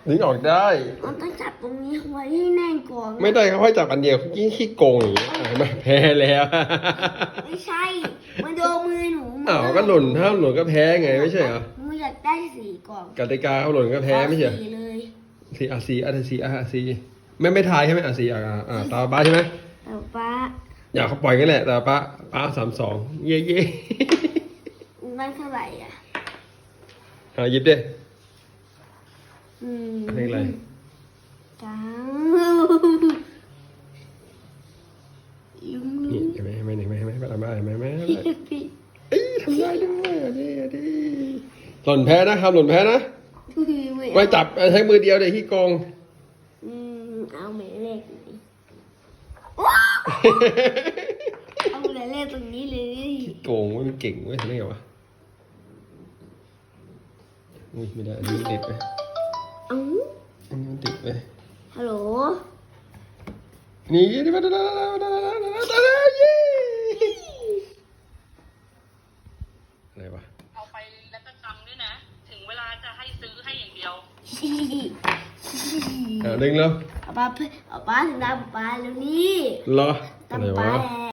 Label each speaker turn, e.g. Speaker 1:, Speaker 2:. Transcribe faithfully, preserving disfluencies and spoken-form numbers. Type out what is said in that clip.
Speaker 1: ดึงออกได้
Speaker 2: มันต้องจับตรงนี้ไว้ให้แน่นก่อน
Speaker 1: ไม่ได้เขาให้จับอันเดียวยิ่งขี้โกงอย่างนี้อ่ะไม่แพ้แล้ว
Speaker 2: ไม่ใช่มันโดนมือหนู
Speaker 1: อ้าวก็หล่นถ้าหล่นก็แพ้ไงไม่ใช่เหรอ
Speaker 2: หนูอยากได้สีก่อน
Speaker 1: กติกาเขาหล่นก็แพ้ไม่ใช่เหรอ
Speaker 2: สีเลย
Speaker 1: สีอาซีอาซีอาซีไม่ไม่ทายใช่ไหมอาซีอ่าอ่าตาป้าใช่ไหม
Speaker 2: เอาป้า
Speaker 1: อยากเขาปล่อยกันแหละแต่ป้าป้าสามสองเย่เย่
Speaker 2: มันเท่าไหร่อ่ะ
Speaker 1: อ่าหยิบดิ
Speaker 2: อืม
Speaker 1: เลขอะไร
Speaker 2: จังลุง
Speaker 1: นี่เห็นไหมเห็นไหมเห็นไหมเห็นไหมป้าป้าเห็นไหมเห็นไหมเอ้ยทำได้ด้วยอ่ะดิอ่ะดิหล่นแพ้นะครับหล่นแพ้นะไม่จับใช้มือเดียวเดี๋ยวขี้โกง
Speaker 2: อืมเอาหมายเลขนี้เอาหมายเลขตรงนี้เลย
Speaker 1: โกงเว้ยมันเก่งเว้ยทำได้ไงวะอุ้ยไม่ได้อันนี้มันติดไป
Speaker 2: เอ้า
Speaker 1: อันนี้มันติดไป
Speaker 2: ฮัลโหล
Speaker 1: นี่ดิมาดาดาดาดาดาดาดาดาเย้อะไรวะ
Speaker 3: เอาไปแล้วก็จำด้วยนะ ถึงเวลาจะให้ซื้อให้อย่างเดียว
Speaker 1: อ่าดึงแล้ว
Speaker 2: เอาป้าเอาป้าถึงดาวป้าแล้วนี่
Speaker 1: เหรอ
Speaker 2: ตา
Speaker 1: อะไร
Speaker 2: ป้าว
Speaker 1: ะ
Speaker 2: แล้ว